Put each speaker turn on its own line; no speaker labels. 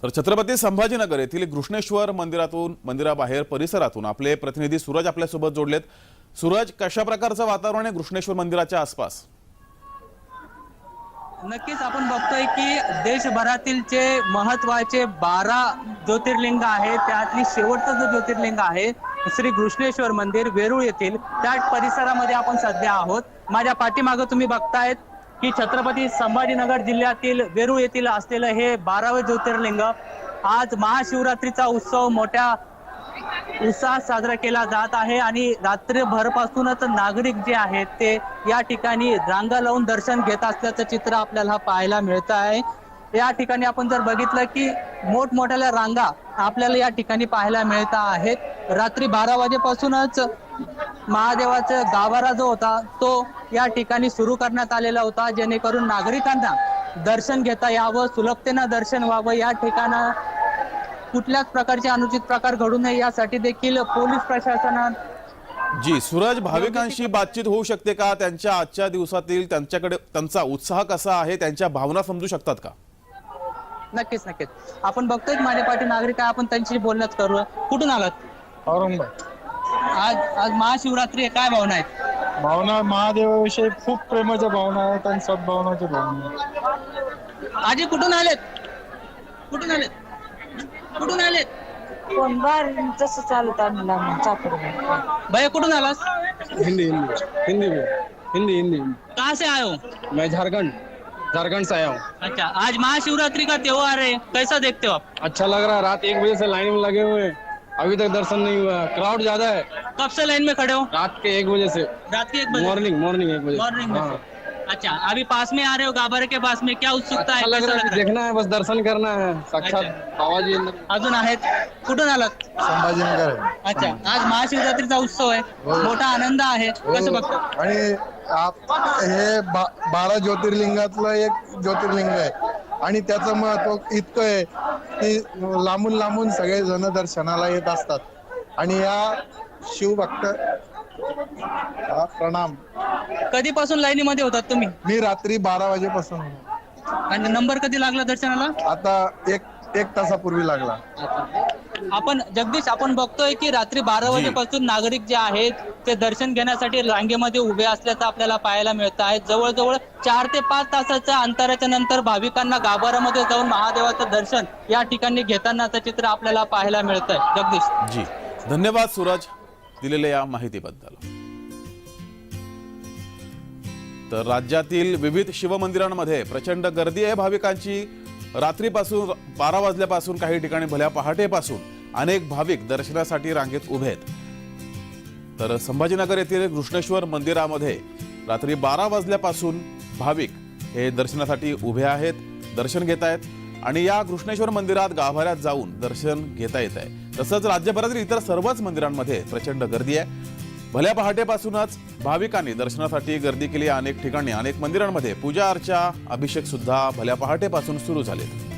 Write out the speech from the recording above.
तर छत्रपती संभाजीनगर येथील घृष्णेश्वर मंदिराबाहेर परिसरातून आपले प्रतिनिधी सूरज आपल्यासोबत जोडलेत। सूरज, कशा प्रकारचं वातावरण आहे घृष्णेश्वर मंदिराच्या आसपास?
नक्कीच आपण बघतोय की देशभरातील जे महत्त्वाचे 12 ज्योतिर्लिंग आहेत त्यातली शेवटचं जो ज्योतिर्लिंग आहे श्री घृष्णेश्वर मंदिर वेरूळ येथील त्या परिसरामध्ये आपण सध्या आहोत। माझ्या पाठीमागे तुम्ही बघतायत की छत्रपती संभाजीनगर जिल्ह्यातील वेरूळ येथील असलेलं हे 12वे ज्योतिर्लिंग आज महाशिवरात्रीचा उत्सव मोठ्या उत्साहात साजरा केला जात आहे आणि रात्रभरपासूनच नागरिक जे आहेत ते या ठिकाणी रांगा लावून दर्शन घेत असल्याचं चित्र आपल्याला पाहायला मिळत आहे। या ठिकाणी आपण जर बघितलं की मोठमोठ्या रांगा आपल्याला या ठिकाणी पाहायला मिळत आहेत। रात्री 12 वाजेपासूनच महादेवाचा गाभारा जो होता तो या ठिकाणी सुरू करण्यात आलेला होता, जेणेकरून नागरिकांना दर्शन घेता यावं, सुलभतेनं दर्शन व्हावं, या ठिकाणी कुठल्याच प्रकारचे अनुचित प्रकार घडू नये यासाठी देखील पोलीस प्रशासनात
जी सूरज, भाविकांशी बातचीत होऊ शकते का? त्यांच्या आजच्या दिवसातील त्यांचा उत्साह कसा आहे, त्यांच्या भावना समजू शकतात का?
नक्कीच आपण बघतोय माझ्या पाठी नागरिक आहे, आपण त्यांच्याशी बोलणंच करू। कुठून आलात?
औरंगाबाद।
आज महाशिवरात्री आहे, काय भावना आहेत?
भावना महादेवाविषयी खूप प्रेमाच्या भावना आहेत आणि सद्भावनाच्या भावना आहेत।
आजी कुठून आलेत? कुठून आलेत?
कोण बार जसं चालत आणला चाकर
भैया कुठून आलास?
हिंदी हिंदी हिंदी में हिंदी हिंदी
कहाँ से आए हो?
मैं झारखंड से आया हूँ।
अच्छा, आज महाशिवरात्रि का त्योहार है, कैसा देखते हो आप?
अच्छा लग रहा है। रात 1 बजे से लाइन में लगे हुए हैं, अभी तक दर्शन नहीं हुआ। क्राउड ज्यादा है।
कब से लाइन में खड़े हो?
रात के 1 बजे से।
रात के 1 बजे?
मॉर्निंग 1 बजे।
मॉर्निंग में
हाँ।
से। अच्छा, अभी पास में आ रहे हो गाभारे के पास में, क्या उत्सुकता है?
अच्छा लग
कैसा
रहा है, देखना है, बस दर्शन करना है। साक्षात बाबा जी अंदर।
अजून आहेत? कुठून आलात?
संभाजीनगर
अच्छा, आज महाशिवरात्रीचा उत्सव आहे, मोठा आनंद आहे, कसं बघतो?
आणि हे 12 ज्योतिर्लिंगातलं एक ज्योतिर्लिंग आहे आणि त्याचं महत्व इतकं आहे की लांबून सगळे जण दर्शनाला येत असतात आणि या शिवभक्त प्रणाम।
कधीपासून लाईनीमध्ये होतात तुम्ही?
मी रात्री 12 वाजेपासून होतो.
आणि नंबर कधी लागला दर्शनाला?
आता एक तासापूर्वी लागला।
आपण जगदीश, आपण बघतोय की रात्री 12 वाजेपासून नागरिक जे आहेत ते दर्शन घेण्यासाठी रांगेमध्ये उभे असल्याचं आपल्याला पाहायला मिळत आहे। जवळजवळ 4 ते 5 तासाच्या अंतराच्या नंतर भाविकांना गाभाऱ्यामध्ये जाऊन महादेवाचं दर्शन या ठिकाणी घेतानाचं चित्र आपल्याला पाहायला मिळत आहे। जगदीश
जी, धन्यवाद सूरज दिलेल्या या माहितीबद्दल। तर राज्यातील विविध शिवमंदिरांमध्ये प्रचंड गर्दी आहे भाविकांची। रात्रीपासून 12 वाजल्यापासून काही ठिकाणी भल्या पहाटेपासून अनेक भाविक दर्शनासाठी रांगेत उभे आहेत। तर संभाजीनगर येथील घृष्णेश्वर मंदिरामध्ये रात्री 12 वाजल्यापासून भाविक हे दर्शनासाठी उभे आहेत, दर्शन घेत आहेत आणि या घृष्णेश्वर मंदिरात गाभाऱ्यात जाऊन दर्शन घेता येत आहे। तसंच राज्यभरातील इतर सर्वच मंदिरांमध्ये प्रचंड गर्दी आहे। भल्या पहाटेपासूनच भाविकांनी दर्शनासाठी गर्दी केली। अनेक ठिकाणी अनेक मंदिरांमध्ये पूजा अर्चा, अभिषेक सुद्धा भल्या पहाटेपासून सुरू झालेत।